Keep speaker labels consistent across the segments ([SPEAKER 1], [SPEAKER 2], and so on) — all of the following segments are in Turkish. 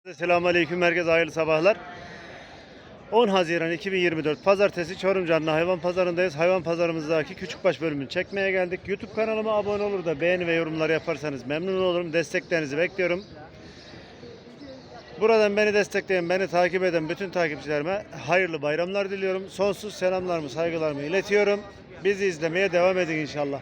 [SPEAKER 1] Selamünaleyküm, herkese hayırlı sabahlar. 10 Haziran 2024 Pazartesi Çorum Canlı Hayvan Pazarındayız. Hayvan pazarımızdaki küçükbaş bölümünü çekmeye geldik. YouTube kanalıma abone olur da beğeni ve yorumlar yaparsanız memnun olurum. Desteklerinizi bekliyorum. Buradan beni destekleyen, beni takip eden bütün takipçilerime hayırlı bayramlar diliyorum. Sonsuz selamlarımı, saygılarımı iletiyorum. Bizi izlemeye devam edin inşallah.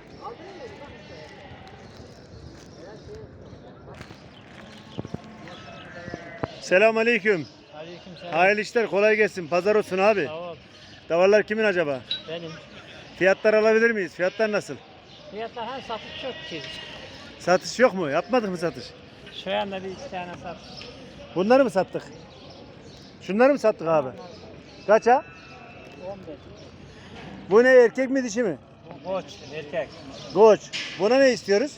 [SPEAKER 1] Selamünaleyküm.
[SPEAKER 2] Aleykümselam.
[SPEAKER 1] Hayırlı işler, kolay gelsin. Pazar olsun abi.
[SPEAKER 2] Sağ ol.
[SPEAKER 1] Davarlar kimin acaba?
[SPEAKER 2] Benim.
[SPEAKER 1] Fiyatlar alabilir miyiz? Fiyatlar nasıl?
[SPEAKER 2] Fiyatlar hem satış çok ki.
[SPEAKER 1] Satış yok mu? Yapmadık mı satış?
[SPEAKER 2] Şu anda bir iki tane satış.
[SPEAKER 1] Bunları mı sattık? Şunları mı sattık abi? Kaça?
[SPEAKER 2] 15.
[SPEAKER 1] Bu ne, erkek mi dişi mi?
[SPEAKER 2] Bu koç, erkek.
[SPEAKER 1] Koç. Buna ne istiyoruz?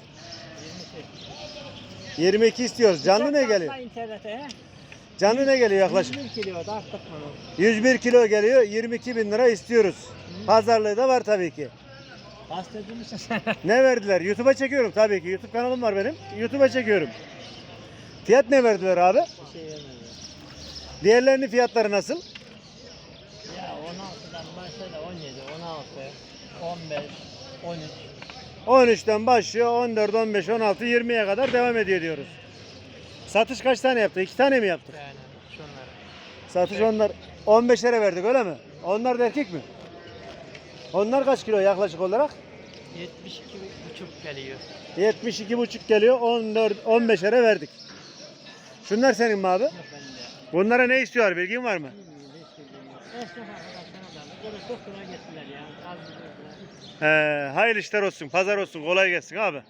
[SPEAKER 2] 22.
[SPEAKER 1] 22 istiyoruz. Canlı ne geliyor?
[SPEAKER 2] İnternete he?
[SPEAKER 1] Canlı ne geliyor yaklaşık?
[SPEAKER 2] 101 kilo da arttık bunu.
[SPEAKER 1] 101 kilo geliyor. 22 bin lira istiyoruz. Pazarlığı da var tabii ki.
[SPEAKER 2] Gazeteci misin sen?
[SPEAKER 1] Ne verdiler? YouTube'a çekiyorum tabii ki. YouTube kanalım var benim. YouTube'a çekiyorum. Fiyat ne verdiler abi?
[SPEAKER 2] Bir şey vermedi.
[SPEAKER 1] Diğerlerinin fiyatları nasıl?
[SPEAKER 2] Ya 16'dan başladı 17, 16, 15, 13.
[SPEAKER 1] 13'ten başlıyor. 14, 15, 16, 20'ye kadar devam ediyor diyoruz. Satış kaç tane yaptık? 2 tane mi yaptık?
[SPEAKER 2] Yani şunları.
[SPEAKER 1] Satış onlar 15'lere verdik öyle mi? Onlar da erkek mi? Onlar kaç kilo yaklaşık olarak?
[SPEAKER 2] 72,5 geliyor.
[SPEAKER 1] 72,5 geliyor. 14, 15'lere verdik. Şunlar senin mi abi?
[SPEAKER 2] Yok bende.
[SPEAKER 1] Bunlara ne istiyor? Bilgin var mı?
[SPEAKER 2] Bilmiyorum, hiç bilmiyorum. Esnaf arkadaşlarına da böyle doktora gittiler ya. Az bir doktora.
[SPEAKER 1] Hayırlı işler olsun. Pazar olsun. Kolay gelsin abi.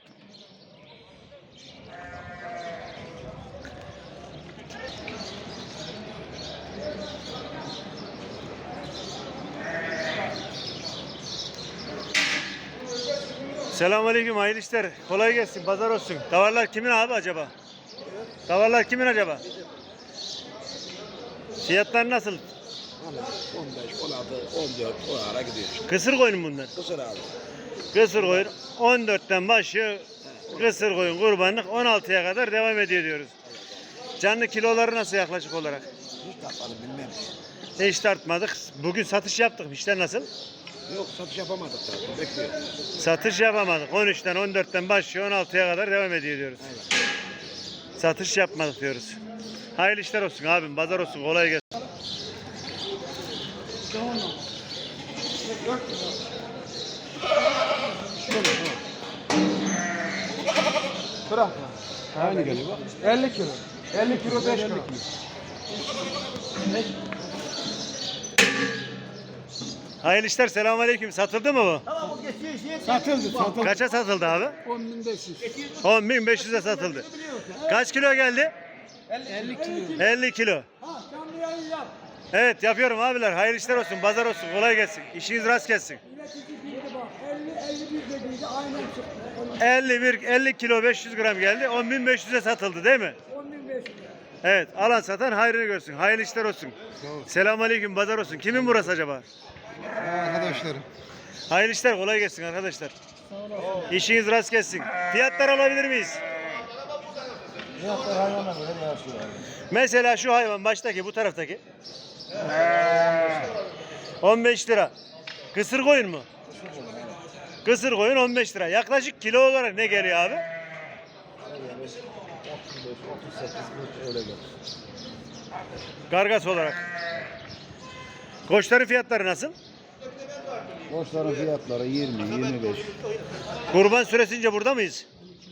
[SPEAKER 1] Selamünaleyküm, hayırlı işler. Kolay gelsin, pazar olsun. Davarlar kimin abi acaba? Davarlar kimin acaba? Fiyatlar nasıl?
[SPEAKER 3] 15, 16, 14 o ara gidiyor işte.
[SPEAKER 1] Kısır koyun mu bunlar?
[SPEAKER 3] Kısır abi.
[SPEAKER 1] Kısır koyun 14'ten başlıyor. Kısır koyun kurbanlık 16'ya kadar devam ediyor diyoruz. Canlı kiloları nasıl yaklaşık olarak?
[SPEAKER 3] Hiç tatmadım bilmem.
[SPEAKER 1] Hiç tartmadık. Bugün satış yaptık. İşler nasıl?
[SPEAKER 3] Yok satış yapamadık zaten. Bekliyor.
[SPEAKER 1] Satış yapamadık. 13'ten 14'ten başlıyor 16'ya kadar devam ediyor diyoruz.
[SPEAKER 3] Aynen.
[SPEAKER 1] Satış yapmadık diyoruz. Hayırlı işler olsun abim. Pazar olsun. Kolay gelsin.
[SPEAKER 4] Bırak. Aynı geliyor bak. 50 kilo. 50 kilo 5 kilo.
[SPEAKER 1] Hayırlı işler. Selamünaleyküm. Satıldı mı bu?
[SPEAKER 4] Satıldı.
[SPEAKER 1] Kaça satıldı abi?
[SPEAKER 4] 10.500.
[SPEAKER 1] 10.500'e satıldı. Kaç kilo geldi?
[SPEAKER 4] 50 kilo.
[SPEAKER 1] 50 kilo. Evet yapıyorum abiler. Hayırlı işler olsun. Pazar olsun. Kolay gelsin. İşiniz rast gelsin. 50 kilo 500 gram geldi. 10.500'e satıldı değil mi? Evet. Alan satan hayrını görsün. Hayırlı işler olsun. Selamünaleyküm. Pazar olsun. Kimin burası acaba?
[SPEAKER 4] Arkadaşlarım.
[SPEAKER 1] Hayırlı işler. Kolay gelsin arkadaşlar. İşiniz rast gelsin. Fiyatlar alabilir miyiz?
[SPEAKER 4] Fiyatlar hayvana göre değişiyor.
[SPEAKER 1] Mesela şu hayvan baştaki, bu taraftaki. 15 lira. Kısır koyun mu? Kısır koyun 15 lira. Yaklaşık kilo olarak ne geliyor abi?
[SPEAKER 4] 35, 38 öyle gelir.
[SPEAKER 1] Kargas olarak. Koçların fiyatları nasıl?
[SPEAKER 4] Boşların fiyatları 20, 25.
[SPEAKER 1] Kurban süresince burada mıyız?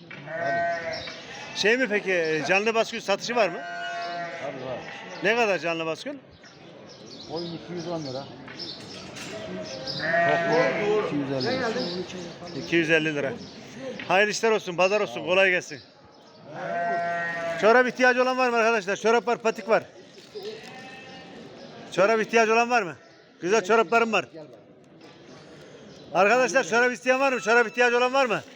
[SPEAKER 1] Şey mi peki, canlı baskül satışı var mı?
[SPEAKER 4] Hadi var.
[SPEAKER 1] Ne kadar canlı baskül?
[SPEAKER 4] Oyun 210 lira. Toplu 250 lira.
[SPEAKER 1] 250 lira. Hayırlı işler olsun, pazar olsun, kolay gelsin. Çorap ihtiyacı olan var mı arkadaşlar? Çorap var, patik var. Çorap ihtiyacı olan var mı? Güzel çoraplarım var. Arkadaşlar çorap isteyen var mı? Çorap ihtiyacı olan var mı?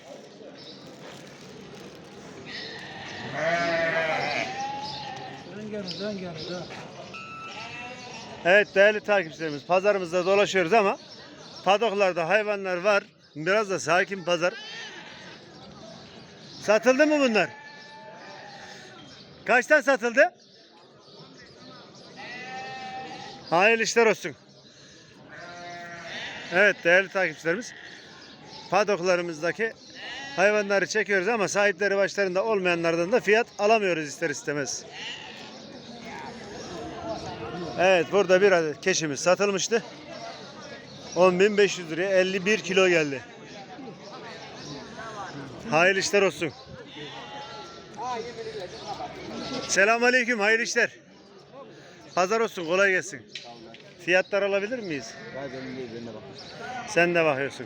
[SPEAKER 1] Evet değerli takipçilerimiz, pazarımızda dolaşıyoruz ama padoklarda hayvanlar var. Biraz da sakin pazar. Satıldı mı bunlar? Kaçtan satıldı? Hayırlı işler olsun. Evet değerli takipçilerimiz. Padoklarımızdaki hayvanları çekiyoruz ama sahipleri başlarında olmayanlardan da fiyat alamıyoruz ister istemez. Evet burada bir adet keçimiz satılmıştı. 10.500 liraya 51 kilo geldi. Hayırlı işler olsun. Selamünaleyküm, hayırlı işler. Pazar olsun, kolay gelsin. Fiyatlar alabilir miyiz? Sen de bakıyorsun.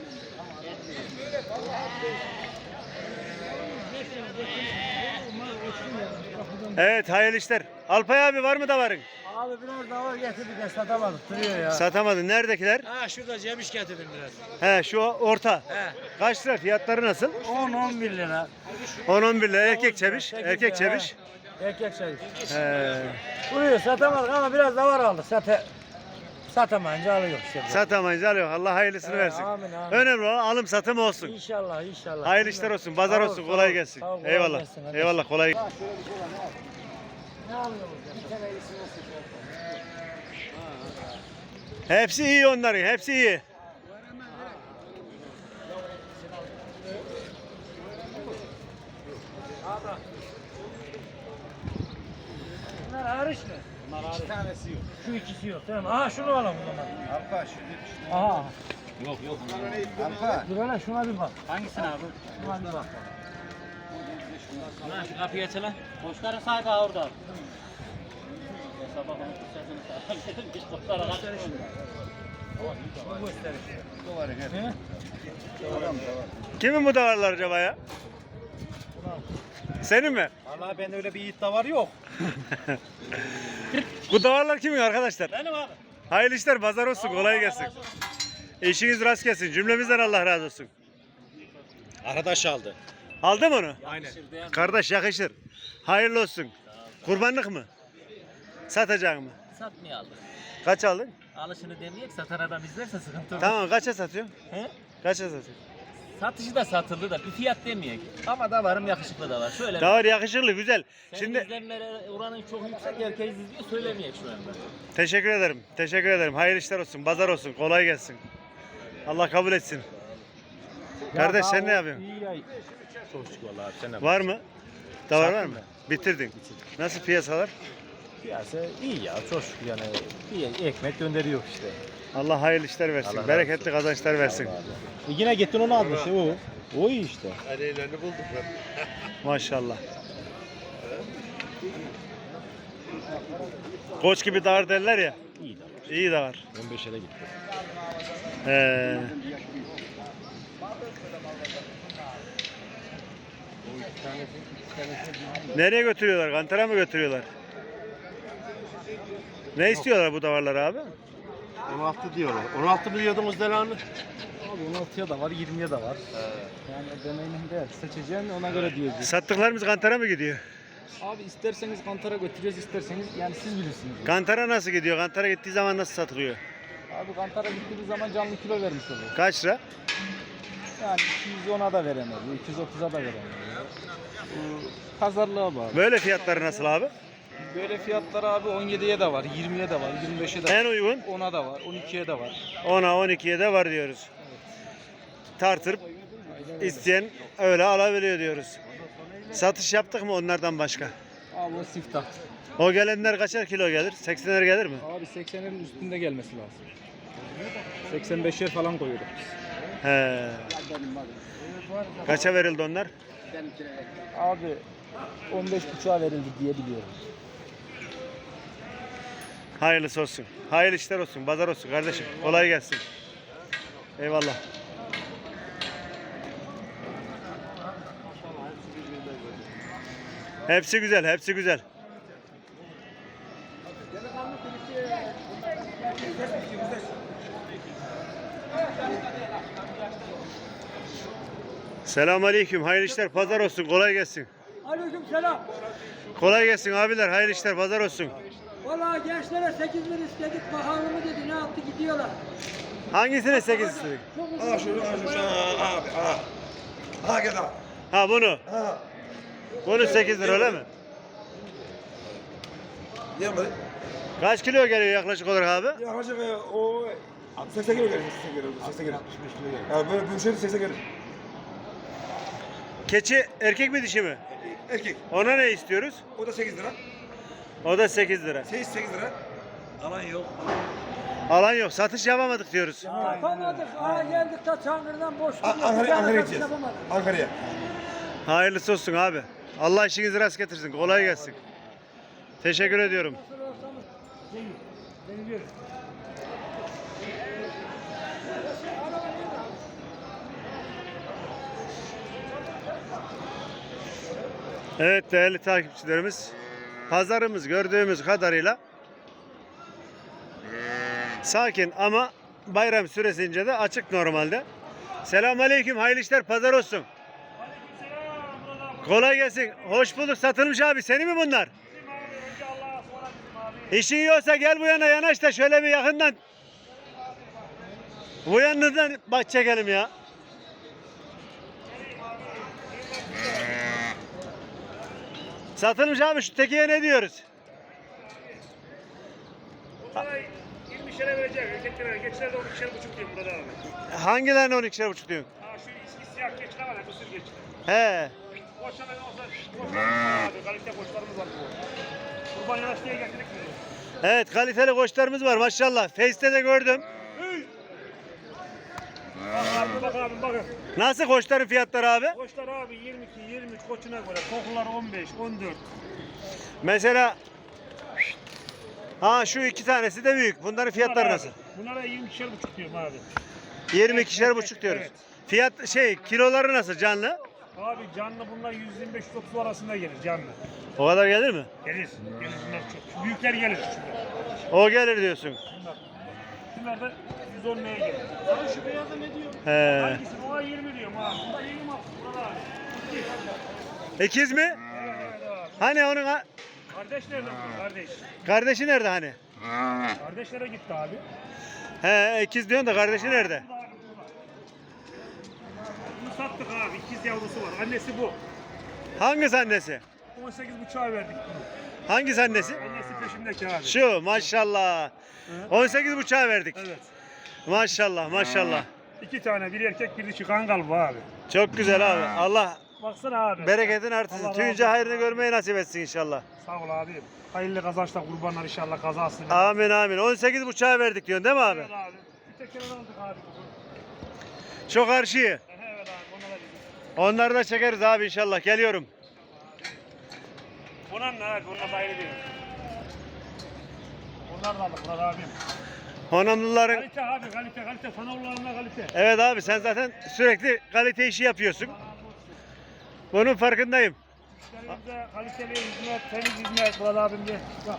[SPEAKER 1] Evet, hayırlı işler. Alpay abi var mı davarın?
[SPEAKER 2] Abi biraz daha var getirdik de satamadık duruyor ya.
[SPEAKER 1] Satamadın. Neredekiler?
[SPEAKER 2] Ha şurada Cemiş getirdim biraz.
[SPEAKER 1] He, şu orta.
[SPEAKER 2] He.
[SPEAKER 1] Kaç lira? Fiyatları nasıl?
[SPEAKER 2] 10-11 lira.
[SPEAKER 1] 10-11 lira. Erkek çeviş.
[SPEAKER 2] Sekiz
[SPEAKER 1] Erkek
[SPEAKER 2] lira,
[SPEAKER 1] çeviş.
[SPEAKER 2] Erkek çeviş.
[SPEAKER 1] He.
[SPEAKER 2] Duruyor satamadık ama biraz da var aldık. Satamayınca alıyor işte.
[SPEAKER 1] Satamayınca alıyor. Allah hayırlısını
[SPEAKER 2] He,
[SPEAKER 1] versin.
[SPEAKER 2] amin, amin.
[SPEAKER 1] Önemli olan alım satım olsun.
[SPEAKER 2] İnşallah inşallah.
[SPEAKER 1] Hayırlı işler olsun. Pazar
[SPEAKER 2] Sağ ol,
[SPEAKER 1] olsun.
[SPEAKER 2] sağ
[SPEAKER 1] Kolay
[SPEAKER 2] ol.
[SPEAKER 1] gelsin.
[SPEAKER 2] Sağ ol, kolay
[SPEAKER 1] Eyvallah.
[SPEAKER 2] gelsin. Hadi.
[SPEAKER 1] Eyvallah. Kolay.
[SPEAKER 2] Ne alıyoruz ya?
[SPEAKER 1] Hepsi iyi onların. Hepsi iyi.
[SPEAKER 2] Bunlar hariç mi? Bunlar hariç. İki tanesi yok. Şu ikisi yok değil mi? Aha şunu alalım o zaman.
[SPEAKER 4] Arpa
[SPEAKER 2] Aha.
[SPEAKER 3] Yok yok.
[SPEAKER 4] Arpa.
[SPEAKER 2] Dur hele şuna bir bak.
[SPEAKER 3] Hangisini abi?
[SPEAKER 2] Şuna bir bak.
[SPEAKER 3] Lan şu kapıyı açalım. Boşların sahibi orada abi. Sabah onu sesini hiç boşlara kaçırmış.
[SPEAKER 2] Bu gösterir.
[SPEAKER 4] He?
[SPEAKER 1] Kimin bu davarlar acaba ya? Senin mi?
[SPEAKER 2] Vallahi ben öyle bir iddia var yok.
[SPEAKER 1] Bu davarlar kimin arkadaşlar?
[SPEAKER 3] Benim abi.
[SPEAKER 1] Hayırlı işler. Pazar olsun. Kolay gelsin. İşiniz rast gelsin. Cümlemizden Allah razı olsun.
[SPEAKER 3] Arkadaş aldı.
[SPEAKER 1] Aldın mı onu?
[SPEAKER 3] Aynen.
[SPEAKER 1] Kardeş yakışır. Hayırlı olsun. Kurbanlık mı? Satacak mı?
[SPEAKER 5] Satmıyor aldık.
[SPEAKER 1] Kaç aldın?
[SPEAKER 5] Alışını demeyek satan adam izlerse sıkıntı olur.
[SPEAKER 1] Tamam kaça satıyorsun?
[SPEAKER 5] He?
[SPEAKER 1] Kaça satıyorsun?
[SPEAKER 5] Satışı da satıldı da bir fiyat demeyek. Ama da varım yakışıklı da var. Şöyle
[SPEAKER 1] Davar yakışıklı güzel.
[SPEAKER 5] senin
[SPEAKER 1] Şimdi
[SPEAKER 5] izlenmeleri oranın çok yüksek herkes izliyor söylemeyek şu anda.
[SPEAKER 1] teşekkür ederim. Teşekkür ederim. Hayırlı işler olsun. Pazar olsun. Kolay gelsin. Allah kabul etsin. Kardeş sen ne yapıyorsun?
[SPEAKER 3] İyi ya. Çok şükür vallahi abi sen ne
[SPEAKER 1] Var mı? Davar var
[SPEAKER 3] Sattım
[SPEAKER 1] mı? Bitirdin. Nasıl piyasalar?
[SPEAKER 3] Piyasa iyi ya çok şükür yani. Bir ekmek gönderiyor işte.
[SPEAKER 1] Allah hayırlı işler versin.
[SPEAKER 3] Allah razı
[SPEAKER 1] Bereketli kazançlar versin.
[SPEAKER 3] Yine gittin onu aldın işte o. O iyi işte.
[SPEAKER 1] Maşallah. Koç gibi davar derler ya.
[SPEAKER 3] İyi de var.
[SPEAKER 1] İyi davar.
[SPEAKER 3] 15'e de gitti.
[SPEAKER 1] He. Nereye götürüyorlar? Kantara mı götürüyorlar? Ne istiyorlar bu davarlar abi?
[SPEAKER 3] 16 diyorlar. 16 biliyordunuz delanı.
[SPEAKER 4] Abi 16'ya da var, 20'ye de var. Yani deneyimin değer. Seçeceğin ona göre diyeceğiz.
[SPEAKER 1] Sattıklarımız kantara mı gidiyor?
[SPEAKER 4] Abi isterseniz kantara götüreceğiz, isterseniz yani siz bilirsiniz.
[SPEAKER 1] Kantara nasıl gidiyor? Kantara gittiği zaman nasıl satılıyor?
[SPEAKER 4] Abi kantara gittiği zaman canlı kilo vermiş oluyor.
[SPEAKER 1] Kaç lira?
[SPEAKER 4] Yani 210'a da veremez, 230'a da veremez. Pazarlığa bağlı.
[SPEAKER 1] Böyle fiyatları nasıl abi?
[SPEAKER 4] Böyle fiyatlar abi 17'ye de var, 20'ye de var, 25'e de var.
[SPEAKER 1] En uygun
[SPEAKER 4] 10'a da var, 12'ye de var.
[SPEAKER 1] 10'a 12'ye de var diyoruz. Tartırıp isteyen öyle alabiliyor diyoruz. Satış yaptık mı onlardan başka?
[SPEAKER 4] Abi o siftah.
[SPEAKER 1] O gelenler kaçar kilo gelir? 80'er gelir mi?
[SPEAKER 4] Abi 80'lerin üstünde gelmesi lazım. 85'er falan koyuyoruz biz.
[SPEAKER 1] He. Kaça verildi onlar?
[SPEAKER 4] Abi 15,5'a verildi diye biliyorum.
[SPEAKER 1] Hayırlısı olsun. Hayırlı işler olsun. Pazar olsun kardeşim. Kolay gelsin. Eyvallah. Hepsi güzel, hepsi güzel. Selamünaleyküm. Hayırlı işler. Pazar olsun. Kolay gelsin.
[SPEAKER 2] Aleykümselam.
[SPEAKER 1] Kolay gelsin abiler. Hayırlı işler. Pazar olsun.
[SPEAKER 2] Vallahi gençlere 8 bin istedik. Bakalım mı dedi. Ne yaptı gidiyorlar.
[SPEAKER 1] Hangisine 8 istedik?
[SPEAKER 3] Aa şunu abi. Ha gel abi.
[SPEAKER 1] Ha bunu. Bunu 8 lira öyle mi?
[SPEAKER 4] Yanmadı.
[SPEAKER 1] Kaç kilo geliyor yaklaşık olarak abi?
[SPEAKER 4] Yaklaşık o 80 kilo gelir. 80 kilo. 80 kilo. 65 kilo gelir. Yani böyle büyümseydi 80 gelir.
[SPEAKER 1] Keçi erkek mi dişi mi?
[SPEAKER 4] Erkek.
[SPEAKER 1] Ona ne istiyoruz?
[SPEAKER 4] O da 8 lira.
[SPEAKER 1] O da 8 lira.
[SPEAKER 4] 8 lira. Alan yok.
[SPEAKER 1] Alan yok. Satış yapamadık diyoruz.
[SPEAKER 2] Yapamadık. Aa geldik de Çankırı'dan boş
[SPEAKER 4] Ankara'ya gideceğiz. Ankara'ya.
[SPEAKER 1] Hayırlısı olsun abi. Allah işinizi rast getirsin. Kolay gelsin. Teşekkür ediyorum. Evet değerli takipçilerimiz, pazarımız gördüğümüz kadarıyla sakin ama bayram süresince de açık normalde. Selamünaleyküm, hayırlı işler, pazar olsun. Kolay gelsin. Hoş bulduk. Satılmış abi. Senin mi bunlar? İşin iyi olsa gel bu yana yanaş da şöyle bir yakından. Bu yanından bak çekelim ya. Satılmış abi, şu tekiye ne diyoruz?
[SPEAKER 6] Bunlara 20'şere verecek. Erkeklere geçler de 12'şer buçuk diyor burada abi.
[SPEAKER 1] Hangilerine 12'şer buçuk diyorsun?
[SPEAKER 6] Ha şu eski siyah geçler var ya, mısır geçler.
[SPEAKER 1] He.
[SPEAKER 6] Koçlar olsa koçlarımız var abi. Kalite koçlarımız var bu. Kurban yanaş diye getirdik bunu.
[SPEAKER 1] Evet, kaliteli koçlarımız var maşallah. Face'te de gördüm.
[SPEAKER 6] Bak abi bakın.
[SPEAKER 1] Nasıl koçların fiyatları abi?
[SPEAKER 6] Koçlar abi 22, 23 koçuna göre. Kokular 15, 14.
[SPEAKER 1] Mesela ha şu iki tanesi de büyük. Bunların fiyatları nasıl?
[SPEAKER 6] Bunlara 20'şer buçuk diyorum abi.
[SPEAKER 1] 22'şer buçuk diyoruz.
[SPEAKER 6] Evet.
[SPEAKER 1] Fiyat kiloları nasıl canlı?
[SPEAKER 6] Abi canlı bunlar 125-130 arasında gelir canlı.
[SPEAKER 1] O kadar gelir mi?
[SPEAKER 6] Gelir. Gelir bunlar çok. Şu büyükler gelir. Şunlar.
[SPEAKER 1] O gelir diyorsun.
[SPEAKER 6] Bunlar da 110 neye gelir. Sana şu beyaza ne diyor?
[SPEAKER 1] He.
[SPEAKER 6] Hangisi? Ona 20 diyorum abi. Bunda 20 bak. Burada abi.
[SPEAKER 1] İkiz mi?
[SPEAKER 6] Evet abi.
[SPEAKER 1] Hani onun
[SPEAKER 6] Kardeş nerede bu kardeş?
[SPEAKER 1] kardeşi nerede hani?
[SPEAKER 6] Kardeşlere gitti abi.
[SPEAKER 1] He, ikiz diyorsun da kardeşi nerede?
[SPEAKER 6] Burada abi, burada. Bunu sattık abi. İkiz yavrusu var. Annesi bu.
[SPEAKER 1] Hangisi annesi?
[SPEAKER 6] 18,5'a verdik bunu.
[SPEAKER 1] Hangisi annesi?
[SPEAKER 6] Annesi peşimdeki abi.
[SPEAKER 1] Şu maşallah. 18,5'a verdik.
[SPEAKER 6] Evet.
[SPEAKER 1] Maşallah maşallah.
[SPEAKER 6] 2 tane, bir erkek bir dişi kangal bu abi.
[SPEAKER 1] Çok güzel abi. Allah
[SPEAKER 6] Baksana abi.
[SPEAKER 1] bereketin
[SPEAKER 6] Allah
[SPEAKER 1] artırsın.
[SPEAKER 6] razı
[SPEAKER 1] Tüyünce
[SPEAKER 6] olsun
[SPEAKER 1] hayrını
[SPEAKER 6] abi.
[SPEAKER 1] görmeyi nasip etsin inşallah.
[SPEAKER 6] Sağ ol abi. Hayırlı kazançlar, kurbanlar inşallah kazasın.
[SPEAKER 1] Amin amin. 18,5'a verdik diyorsun değil mi abi?
[SPEAKER 6] Evet abi. Bir tek aldık abi.
[SPEAKER 1] Çok karşıyı.
[SPEAKER 6] Evet abi. Ona da bizim.
[SPEAKER 1] Onları da çekeriz abi inşallah. Geliyorum.
[SPEAKER 6] Ona ne abi? Onlar da ayrı değil. Onlar da aldık Murat abim.
[SPEAKER 1] Honamlıların
[SPEAKER 6] Kalite abi, kalite. Fanavlarına kalite.
[SPEAKER 1] evet abi sen zaten sürekli kalite işi yapıyorsun. Bunun farkındayım.
[SPEAKER 6] Müşterimize kaliteli hizmet, temiz hizmet Murat abim diye. Bak.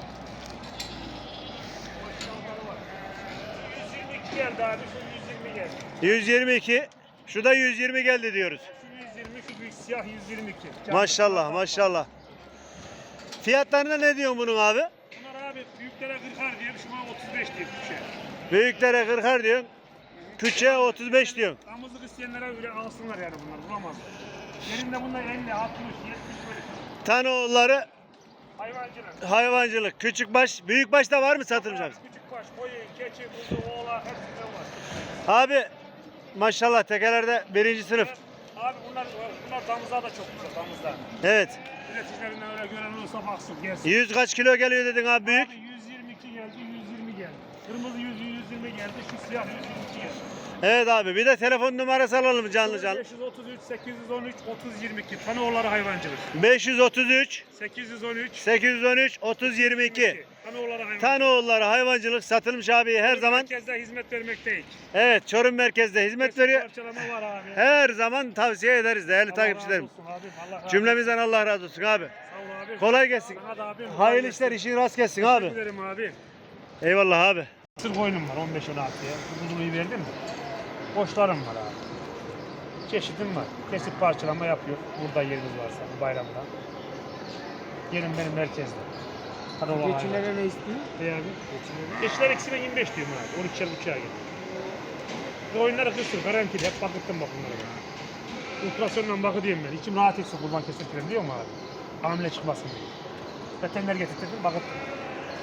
[SPEAKER 6] 122 geldi abi, şu 120 geldi.
[SPEAKER 1] 122. Şu da 120 geldi diyoruz.
[SPEAKER 6] Şu 120, şu büyük siyah 122.
[SPEAKER 1] Maşallah maşallah. Fiyatlarına ne diyorsun bunun abi?
[SPEAKER 6] Bunlar abi büyüklere 40'ar diyor, şuna 35 diyor bir şey.
[SPEAKER 1] Büyüklere 40'ar diyorsun. Küçüğe 35 diyorsun.
[SPEAKER 6] Damızlık isteyenlere öyle alsınlar yani bunlar, bulamazlar. Yerinde bunlar 50, 60, 70 böyle.
[SPEAKER 1] Tanoğulları
[SPEAKER 6] Hayvancılık.
[SPEAKER 1] hayvancılık. Küçükbaş, büyükbaş da var mı satılmış abi?
[SPEAKER 6] Küçük baş, koyun, keçi, kuzu, oğlak hepsinden var.
[SPEAKER 1] Abi maşallah tekelerde birinci sınıf.
[SPEAKER 6] Abi bunlar damızlar da çok güzel, damızlar.
[SPEAKER 1] Evet.
[SPEAKER 6] Üreticilerinden öyle gören olursa baksın, gelsin.
[SPEAKER 1] 100 kaç kilo geliyor dedin abi büyük?
[SPEAKER 6] Abi 122 geldi, 120 geldi. Kırmızı 120 geldi, şu siyah 122 geldi.
[SPEAKER 1] Evet abi bir de telefon numarası alalım canlı canlı.
[SPEAKER 6] 533, 813, 3022. Tanoğulları hayvancılık.
[SPEAKER 1] 533
[SPEAKER 6] 813,
[SPEAKER 1] 813 3022.
[SPEAKER 6] Tanoğulları hayvancılık.
[SPEAKER 1] Tanoğulları hayvancılık satılmış abi her zaman.
[SPEAKER 6] Merkezde hizmet vermekteyiz.
[SPEAKER 1] Evet Çorum merkezde hizmet
[SPEAKER 6] Kesin
[SPEAKER 1] veriyor.
[SPEAKER 6] parçalama var abi.
[SPEAKER 1] Her zaman tavsiye ederiz değerli
[SPEAKER 6] Allah
[SPEAKER 1] takipçilerim.
[SPEAKER 6] razı olsun abim, Allah razı olsun.
[SPEAKER 1] Cümlemizden Allah razı olsun abi.
[SPEAKER 6] Sağ ol abi.
[SPEAKER 1] Kolay gelsin.
[SPEAKER 6] Sana da abim.
[SPEAKER 1] Hayırlı işler işin rast gelsin abi.
[SPEAKER 6] Teşekkür ederim abi.
[SPEAKER 1] Eyvallah abi.
[SPEAKER 6] Sır koyunum var 15-16'ya. Kuzunuyu verdim mi? Koçlarım var abi. Çeşidim var. Kesip parçalama yapıyor. Burada yerimiz varsa bu bayramda. Yerim benim merkezde. Hadi ola
[SPEAKER 2] Geçilere ne istiyor?
[SPEAKER 6] Ne abi? Geçiler ikisine 25 diyorum abi. 12'şer buçuğa git. Bu oyunları kırsın. Garantili. Hep bakıttım bak bunlara ben. Ultrasyonla bakı diyeyim ben. İçim rahat etsin kurban kesirtirim diyor mu abi? Hamile çıkmasın diye. Veteriner getirdim bakıttım.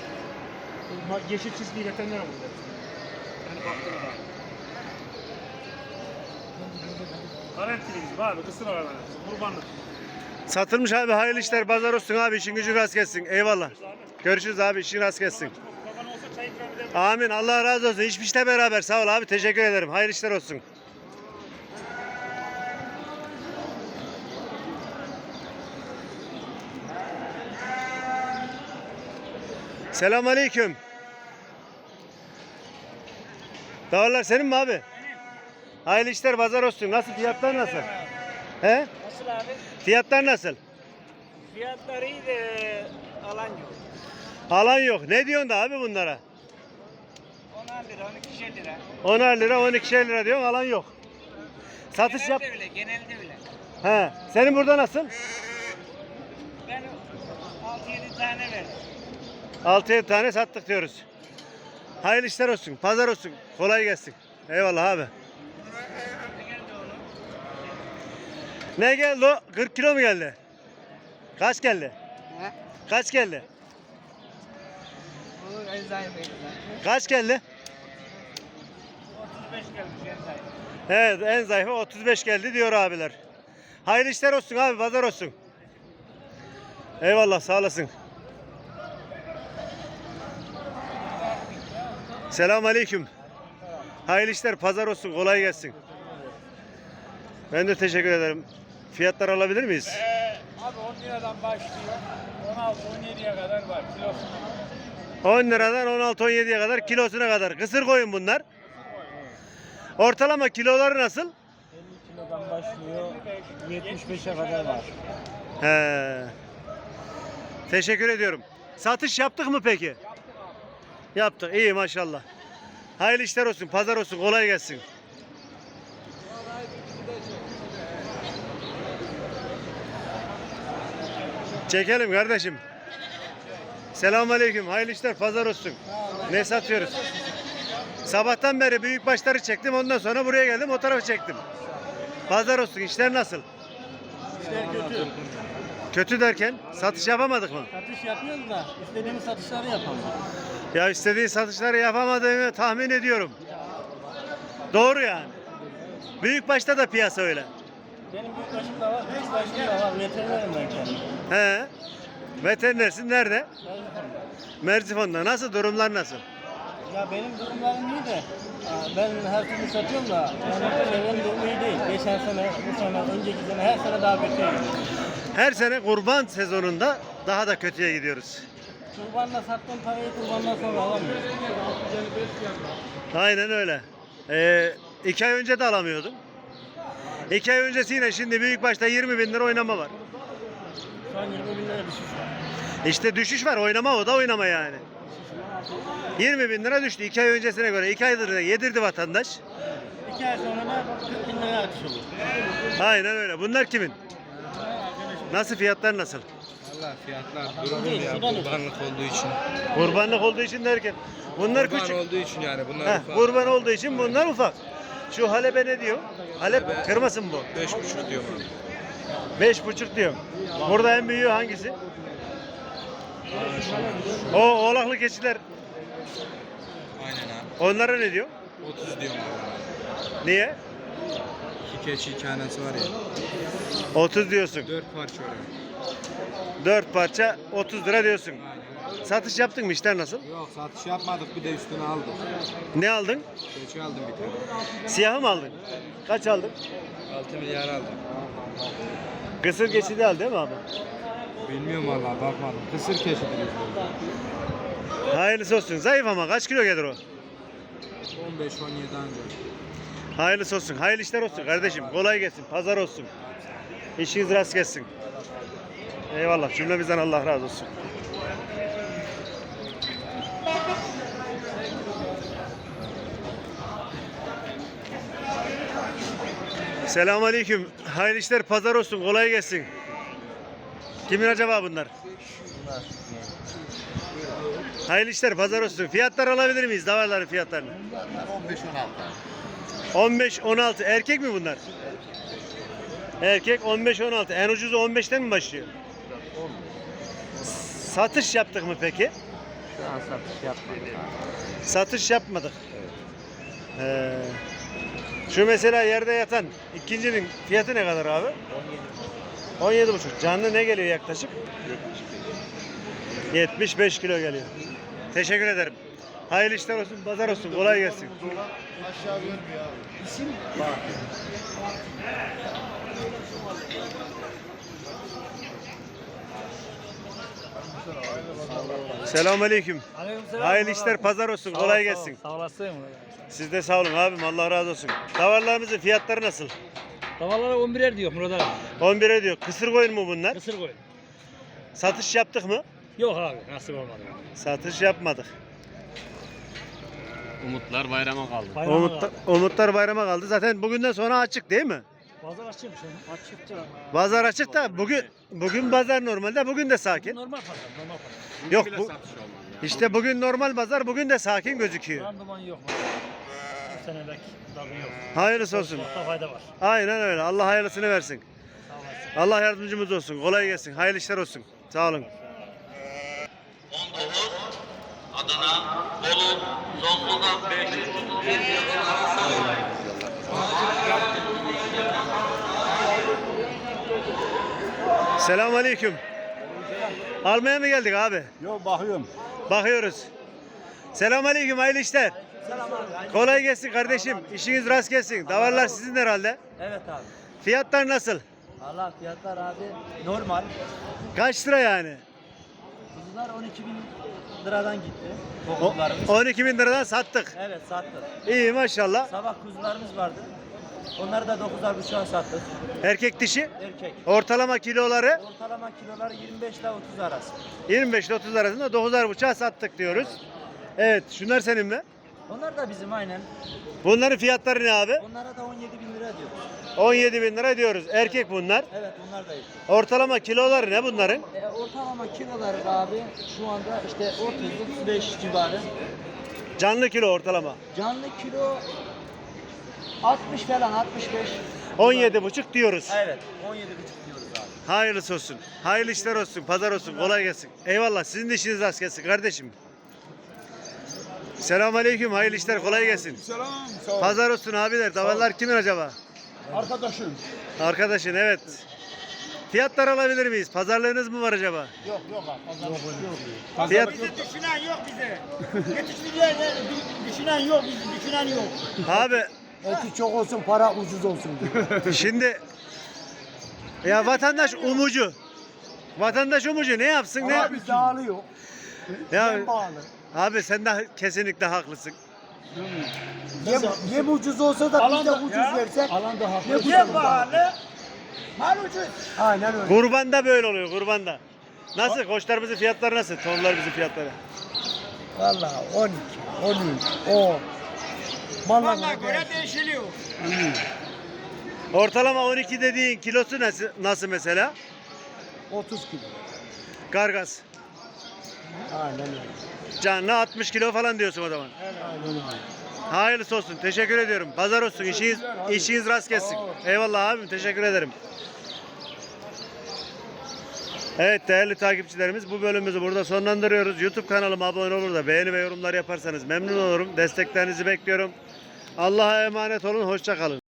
[SPEAKER 6] Yeşil çizgiyi veteriner ama. Yani baktığına da. Garantiliyiz abi, kısır aralar. Kurbanlık.
[SPEAKER 1] Satılmış abi, hayırlı işler, pazar olsun abi, işin gücün rast gelsin. Eyvallah. Görüşürüz abi, işin rast gelsin.
[SPEAKER 6] Baban olsa çay ikram ederim.
[SPEAKER 1] Amin, Allah razı olsun. İş işte beraber, sağ ol abi, teşekkür ederim. Hayırlı işler olsun. Selamünaleyküm. Dağlar senin mi abi? Hayırlı işler, pazar olsun. Nasıl, fiyatlar nasıl? He?
[SPEAKER 2] Nasıl abi?
[SPEAKER 1] Fiyatlar nasıl?
[SPEAKER 2] Fiyatları iyi de alan yok.
[SPEAKER 1] Alan yok. Ne diyorsun da abi bunlara?
[SPEAKER 2] 10 lira, 12 lira.
[SPEAKER 1] 10'ar lira, 12'şer lira diyorsun, alan yok. Satış yap.
[SPEAKER 2] Genelde öyle, genelde öyle.
[SPEAKER 1] He. Senin burada nasıl?
[SPEAKER 2] Ben 6-7 tane verdim.
[SPEAKER 1] 6-7 tane sattık diyoruz. Hayırlı işler olsun, pazar olsun. Kolay gelsin. Eyvallah abi.
[SPEAKER 2] Ne geldi onu?
[SPEAKER 1] Ne geldi o? 40 kilo mu geldi? Kaç geldi?
[SPEAKER 2] He?
[SPEAKER 1] Kaç geldi?
[SPEAKER 2] O eczaneydi.
[SPEAKER 1] Kaç geldi?
[SPEAKER 2] 35 gelmiş eczane.
[SPEAKER 1] Evet, en zayıfı 35 geldi diyor abiler. Hayırlı işler olsun abi, pazar olsun. Eyvallah, sağ olasın. Selamünaleyküm. Hayırlı işler, pazar olsun, kolay gelsin. Ben de teşekkür ederim. Fiyatlar alabilir miyiz?
[SPEAKER 4] Abi 10 liradan başlıyor. 16-17'ye kadar var kilosu.
[SPEAKER 1] 10 liradan 16-17'ye kadar, kilosuna kadar. Kısır koyun bunlar. Ortalama kiloları nasıl?
[SPEAKER 2] 50 kilodan başlıyor, 75'e kadar var.
[SPEAKER 1] He. Teşekkür ediyorum. Satış yaptık mı peki? Yaptık. İyi maşallah. Hayırlı işler olsun, pazar olsun, kolay gelsin. Çekelim kardeşim. Selamünaleyküm. Hayırlı işler, pazar olsun. Ne satıyoruz? Sabahtan beri büyük başları çektim. Ondan sonra buraya geldim. O tarafı çektim. Pazar olsun. İşler nasıl?
[SPEAKER 2] İşler kötü.
[SPEAKER 1] Kötü derken satış yapamadık mı?
[SPEAKER 2] Satış yapıyoruz da istediğimiz satışları yapamıyoruz.
[SPEAKER 1] Ya istediğin satışları yapamadığımı tahmin ediyorum. Doğru yani. Büyük başta da piyasa öyle.
[SPEAKER 2] Benim büyük başım da var, küçük başım da var. Veterinerim ben kendim.
[SPEAKER 1] He. Veterinersin nerede?
[SPEAKER 2] Merzifon'da.
[SPEAKER 1] Merzifon'da. Nasıl, durumlar nasıl?
[SPEAKER 2] Ya benim durumlarım iyi de ben her türlü satıyorum da yani çevrenin durumu iyi değil. Geçen sene, bu sene, önceki sene her sene daha kötüye gidiyor.
[SPEAKER 1] Her sene kurban sezonunda daha da kötüye gidiyoruz.
[SPEAKER 2] Kurbanla sattığım parayı kurbandan sonra alamıyorum.
[SPEAKER 1] Aynen öyle. 2 ay önce de alamıyordum. 2 ay öncesiyle şimdi büyük başta 20 bin lira oynama var.
[SPEAKER 2] Şu an 20 bin lira düşüş var.
[SPEAKER 1] İşte düşüş var, oynama, o da oynama yani. 20 bin lira düştü 2 ay öncesine göre. 2 aydır da yedirdi vatandaş.
[SPEAKER 2] 2 ay sonra da 40 bin lira artış olur.
[SPEAKER 1] Aynen öyle. Bunlar kimin? Nasıl, fiyatlar nasıl?
[SPEAKER 4] Valla fiyatlar durgun
[SPEAKER 2] Değil,
[SPEAKER 4] ya
[SPEAKER 2] sudan
[SPEAKER 4] kurbanlık olduğu için.
[SPEAKER 1] Kurbanlık olduğu için derken. Bunlar
[SPEAKER 4] Kurban
[SPEAKER 1] küçük.
[SPEAKER 4] olduğu için yani bunlar
[SPEAKER 1] Heh,
[SPEAKER 4] ufak.
[SPEAKER 1] kurban olduğu için bunlar ufak. Şu halebe ne diyor? Halep kırmasın bu.
[SPEAKER 4] 5,5 diyorum abi.
[SPEAKER 1] 5,5 diyorum. Burada en büyüğü hangisi? O oğlaklı keçiler.
[SPEAKER 4] Aynen abi.
[SPEAKER 1] Onlara ne diyor?
[SPEAKER 4] 30 diyorum abi.
[SPEAKER 1] Niye?
[SPEAKER 4] 2 keçi 2 anası var ya.
[SPEAKER 1] 30 diyorsun.
[SPEAKER 4] 4 parça oraya.
[SPEAKER 1] 4 parça 30 lira diyorsun.
[SPEAKER 4] Aynen.
[SPEAKER 1] Satış yaptın mı? İşler nasıl?
[SPEAKER 4] Yok satış yapmadık bir de üstüne aldık.
[SPEAKER 1] Ne aldın?
[SPEAKER 4] Keçi aldım bir tane.
[SPEAKER 1] Siyahı mı aldın? Kaç aldın?
[SPEAKER 4] 6 milyar aldım.
[SPEAKER 1] Kısır keçi de aldın değil mi abi?
[SPEAKER 4] Bilmiyorum valla bakmadım. Kısır keçidir bizde.
[SPEAKER 1] Hayırlısı olsun. Zayıf ama kaç kilo gelir o?
[SPEAKER 4] 15-17 ancak.
[SPEAKER 1] Hayırlısı olsun. Hayırlı işler olsun kardeşim. Kolay gelsin. Pazar olsun. İşiniz rast gelsin. Eyvallah. Cümlemizden Allah razı olsun. Selamünaleyküm. Hayırlı işler, pazar olsun. Kolay gelsin. Kimin acaba bunlar? Hayırlı işler, pazar olsun. Fiyatlar alabilir miyiz? Davarların fiyatlarını. 15-16. Erkek mi bunlar? Erkek 15-16. En ucuzu 15'ten mi başlıyor? Satış yaptık mı peki?
[SPEAKER 3] Şu an satış yapmadık abi.
[SPEAKER 1] Satış yapmadık. Şu mesela yerde yatan ikincinin fiyatı ne kadar abi? 17,5. Canlı ne geliyor yaklaşık? 75 kilo geliyor. Teşekkür ederim. Hayırlı işler olsun, pazar olsun, kolay gelsin. Selamünaleyküm. Hayırlı işler, pazar olsun, kolay gelsin.
[SPEAKER 2] Sağ olasın.
[SPEAKER 1] Siz de sağ olun abim, Allah razı olsun. Davarlarımızın fiyatları nasıl?
[SPEAKER 2] Tavalara 11'er diyor Murat abi.
[SPEAKER 1] 11'e diyor. Kısır koyun mu bunlar?
[SPEAKER 2] Kısır koyun.
[SPEAKER 1] Satış yaptık mı?
[SPEAKER 2] Yok abi nasip olmadı.
[SPEAKER 1] Satış yapmadık.
[SPEAKER 5] Umutlar bayrama kaldı.
[SPEAKER 1] Umutlar bayrama kaldı. Zaten bugünden sonra açık değil mi?
[SPEAKER 2] Pazar açıyormuş yani. Açıktır ama.
[SPEAKER 1] Pazar açık da bugün pazar normalde, bugün de sakin.
[SPEAKER 2] Normal pazar, normal pazar.
[SPEAKER 1] Yok bu işte bugün normal pazar, bugün de sakin gözüküyor.
[SPEAKER 2] Randıman yok. Bu sene belki tadı yok.
[SPEAKER 1] Hayırlısı olsun.
[SPEAKER 2] Çok fayda var.
[SPEAKER 1] Aynen öyle. Allah hayırlısını versin.
[SPEAKER 2] Sağ olasın.
[SPEAKER 1] Allah yardımcımız olsun. Kolay gelsin. Hayırlı işler olsun. Sağ olun.
[SPEAKER 7] Adana, Bolu, Zonguldak 500.
[SPEAKER 1] Selamünaleyküm. Almaya mı geldik abi?
[SPEAKER 4] Yok bakıyorum.
[SPEAKER 1] Bakıyoruz. Selamünaleyküm. Hayırlı işler. Kolay gelsin kardeşim. İşiniz rast gelsin. Davarlar sizin herhalde.
[SPEAKER 2] Evet abi.
[SPEAKER 1] Fiyatlar nasıl?
[SPEAKER 2] Allah fiyatlar abi normal.
[SPEAKER 1] Kaç lira yani?
[SPEAKER 2] Kuzular 12.000 liradan gitti.
[SPEAKER 1] O,
[SPEAKER 2] Kuzularımız.
[SPEAKER 1] 12 bin liradan sattık.
[SPEAKER 2] Evet sattık.
[SPEAKER 1] İyi maşallah.
[SPEAKER 2] Sabah kuzularımız vardı. Onları da 9'ar buçuğa sattık.
[SPEAKER 1] Erkek dişi.
[SPEAKER 2] Erkek.
[SPEAKER 1] Ortalama kiloları
[SPEAKER 2] Ortalama kiloları 25 ile 30 arası.
[SPEAKER 1] 25 ile 30 arasında 9'ar buçuğa sattık diyoruz. Evet, şunlar senin mi?
[SPEAKER 2] Onlar da bizim aynen.
[SPEAKER 1] Bunların fiyatları ne abi?
[SPEAKER 2] Onlara da 17.000 lira diyoruz.
[SPEAKER 1] 17 bin lira diyoruz. Erkek bunlar.
[SPEAKER 2] Evet onlar da iyi.
[SPEAKER 1] Ortalama kiloları ne bunların?
[SPEAKER 2] Ortalama kiloları abi şu anda işte 30-35 civarı.
[SPEAKER 1] Canlı kilo ortalama.
[SPEAKER 2] Canlı kilo 60 falan 65.
[SPEAKER 1] 17,5 diyoruz.
[SPEAKER 2] Evet 17,5 diyoruz abi.
[SPEAKER 1] Hayırlısı olsun. Hayırlı işler olsun. Pazar olsun. Kolay gelsin. Eyvallah. Sizin de işiniz rast gelsin kardeşim. Selamünaleyküm. Hayırlı işler. Kolay gelsin.
[SPEAKER 4] Selam. Sağ ol.
[SPEAKER 1] Pazar olsun abiler. Davarlar kimin acaba?
[SPEAKER 4] Arkadaşım.
[SPEAKER 1] Arkadaşın evet. Fiyatlar alabilir miyiz? Pazarlığınız mı var acaba?
[SPEAKER 4] Yok abi.
[SPEAKER 1] Fiyat...
[SPEAKER 6] Düşünen yok bize. Yetişmeyeceğiz. Düşünen yok bizi. Düşünen yok.
[SPEAKER 1] Abi
[SPEAKER 8] Eti çok olsun, para ucuz olsun diyor.
[SPEAKER 1] şimdi ya vatandaş umucu. Vatandaş umucu ne yapsın ne?
[SPEAKER 8] Abi dağılıyor.
[SPEAKER 1] Ya
[SPEAKER 8] Yem bağlı.
[SPEAKER 1] abi sen de kesinlikle haklısın.
[SPEAKER 8] Yem ucuz olsa da biz de ucuz versek.
[SPEAKER 2] Alan da haklı.
[SPEAKER 8] Ne ucuz
[SPEAKER 6] Yem pahalı. Mal ucuz.
[SPEAKER 8] Aynen öyle.
[SPEAKER 1] Kurbanda böyle oluyor kurbanda. Nasıl? Koçlarımızın fiyatları nasıl? Tonlarımızın fiyatları.
[SPEAKER 8] Vallahi 12, 13, 10.
[SPEAKER 6] Vallahi göre değişiliyor.
[SPEAKER 1] Ortalama 12 dediğin kilosu nasıl mesela?
[SPEAKER 8] 30 kilo.
[SPEAKER 1] Kargas.
[SPEAKER 8] Aynen öyle.
[SPEAKER 1] Canlı 60 kilo falan diyorsun o zaman.
[SPEAKER 8] Aynen öyle.
[SPEAKER 1] Hayırlısı olsun. Teşekkür ediyorum. Pazar olsun. İşiniz rast gelsin. Eyvallah abim. Teşekkür ederim. Evet değerli takipçilerimiz bu bölümümüzü burada sonlandırıyoruz. YouTube kanalıma abone olur da beğeni ve yorumlar yaparsanız memnun olurum. Desteklerinizi bekliyorum. Allah'a emanet olun. Hoşça kalın.